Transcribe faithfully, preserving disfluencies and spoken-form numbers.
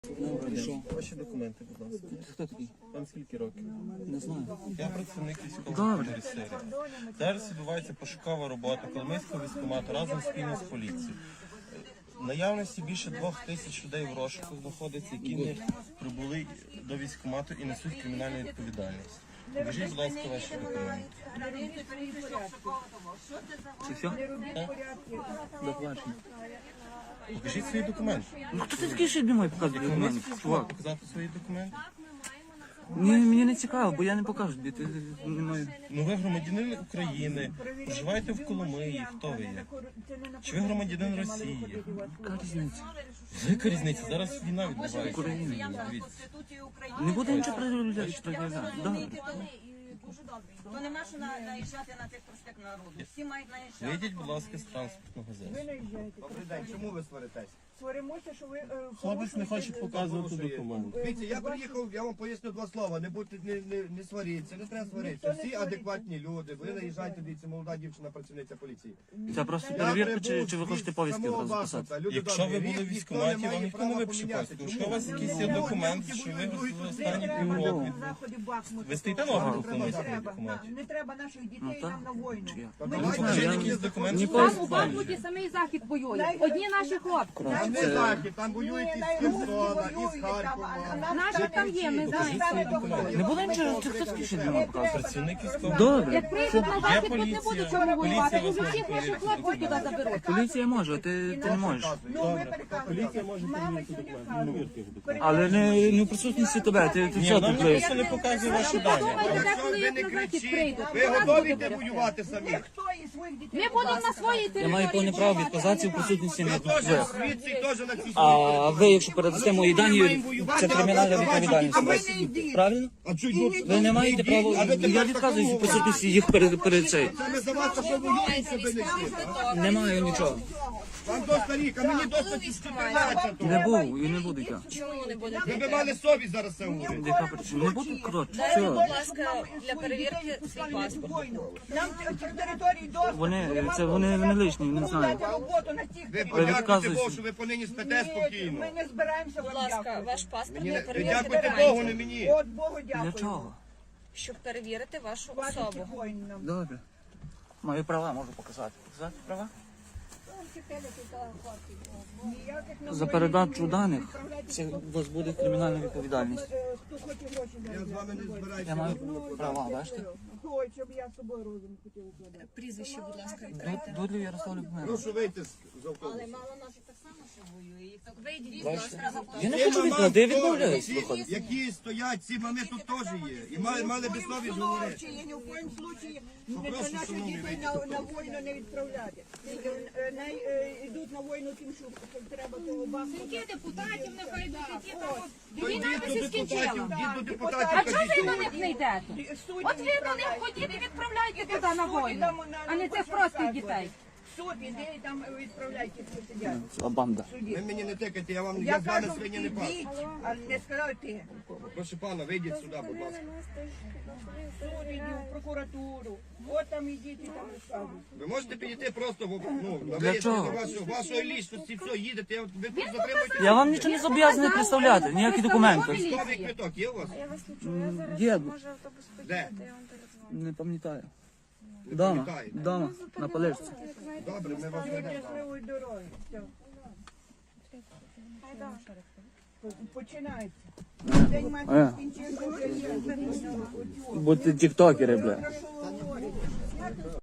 Ваші документи, будь ласка. Хто такий? Вам скільки років? Не знаю. Я працівник військової серії. Зараз відбувається пошукова робота Коломийського військкомату разом спільно з поліцією. В наявності більше двох тисяч людей в розшуку знаходиться, які не прибули до військкомату і несуть кримінальну відповідальність. Покажіть, будь ласка, ваші документи. Це все? До побачення. Покажіть свої документи. Ну хто ти такий, що не має показувати документи? Чувак. Показати свої документи? Ні, мені не цікаво, бо я не покажу, де ти не маю. Ну ви громадянин України, проживаєте в Коломиї, хто ви є? Чи ви громадянин Росії? Яка різниця? Яка різниця? Зараз війна відбувається. Україна. Дивіться. Не буде нічого проявляти. Добре. То нема що наїжджати на тих простих народу. Всі мають наїжджати. Вийдіть, будь ласка, з транспортного засобу. Добрий день, чому ви сваритесь? Сваримося, що ви... е, Хлопець не хоче показувати Порушує. документи. Дивіться, я приїхав, я вам поясню два слова. Не будьте, не, не, не сваріться, не треба сваритися. Всі адекватні люди. Ви наїжджаєте, дивіться, молода дівчина, працівниця поліції. Це просто Я перевірка, чи, прибув чи ви від хочете повістки самого одразу записати? Бахмута. Люди Якщо ви добрі, були в ніхто військкоматі, не має вам ніхто не права випише помінятися. паспорт. Якщо у Чому? вас якийсь є документ, що ви в останні півроку. Ви стоїте на обліку в міському військкоматі? Не треба наших дітей Ну, так. нам на війну. Чи я? Та Ми давайте Покажіть я- якісь документи. Ні, що пос- ви Там у знаєте. Бахмуті самий захід воює. Одні наші хлопці. Там не захід, там воюють із Херсона, із Харкова. Наші там є, ми знаємо. Не буде нічого, чи хто такий, що не має показувати? Працівник військового. Добре. Як прийдуть на захід, то не поліція. будуть чого воювати. Поліція вас Уже може всіх наших перевірити. хлопців туди заберуть. Поліція може, а ти, ти не можеш. Ну, ви переказуєте. Мама сьогодні вказує. Але не, не в присутності тебе, ти, ти Ні, все нам тут ніхто лиш. не показує ваші дані. Подумайте, де Якщо коли ви їх не на захід кричіть, прийдуть. ви готові йти воювати самі? Хто із своїх дітей? Ми будемо на своїй Я території. маю повне право відказатися в присутності не Ви теж ви. звідси і теж на цій А ви, якщо передасте мої дані, це кримінальна відповідальність. А ви не йдіть. Правильно? А чуть йдуть? Ви не маєте права, я відказуюсь в присутності їх перед, перед цей. Саме за вас, що воюють себе не всі. Не маю нічого. Вам доста рік, а мені доста чотирнадцять. Не був і не буду я. Ви б мали совість зараз це говорити. Яка причина? Не буду, коротше, Дайте, будь все. ласка, для перевірки свій паспорт. Нам цих територій доступ. Вони, це вони, вони лишні, не знаю. Роботу на цих Ви територіях. подякуйте відказуєтесь. Богу, що ви понині спите спокійно. Ми не збираємося Будь вам ласка, дякувати. ваш паспорт Мені для не- Ви перевірки дякуйте Богу, не гарантії, мені. От Богу Для дякую. чого? щоб перевірити вашу Ваших особу. воїн нам. Добре. Мої права можу показати. Показати права? Ніяких нам За воїн передачу не даних відправляйте. це у вас буде кримінальна відповідальність. Е, Хто хоче гроші Я з вами не збираюся. Я маю права, бачите? Ой, щоб я з собою розум хотів укладати. Прізвище, будь ласка, Дудлів Ярослав Любомирович. Прошу вийти з з автобусу. мало наших так само, що воює. Їх так вийдіть, Я не хочу відкладати, я відмовляюсь Ці, виходить. які стоять, ці мами тут теж є. І мали, мали би совість говорити. Я ні в коїм случаї не Попрошу, наших шановні, дітей на, на війну не відправляти. Е, Не е, йдуть на війну тим, що треба того бахнути. Скільки депутатів нехай йдуть, які там... То Війна йдіть би до се депутатів, скінчила. йдіть до депутатів, А чого кажіть, ви до що них не йдете? Судді От ви до них відправляють. ходіть і відправляйте туди на Судді війну, там на- а не на цих що простих вказувати. дітей. Суд іде і там відправляйте, хто сидять. А банда. в суді. Ви мені не тикайте, я вам Я я з вами кажу, свині не пас. ідіть, а не сказав ти. Прошу пана, вийдіть сюди, будь ласка. Суд іди, в прокуратуру. От там ідіть і там розказуйте. Ви можете підійти просто в ну, на Для чого? вияснення вашого, вашої лічності, все, їдете, я- ви тут затримуєте. Я вам нічого не зобов'язаний представляти, ніякі документи. Військовий квиток є у вас? Є, Де? не пам'ятаю. Не Дома, пам'ятаєте? дома, на полежці. Добре, ми вас ведемо. Щасливої дороги. Все. Починається. День матері Е, скінчився, вже є. будьте тіктокери, бля. Прошу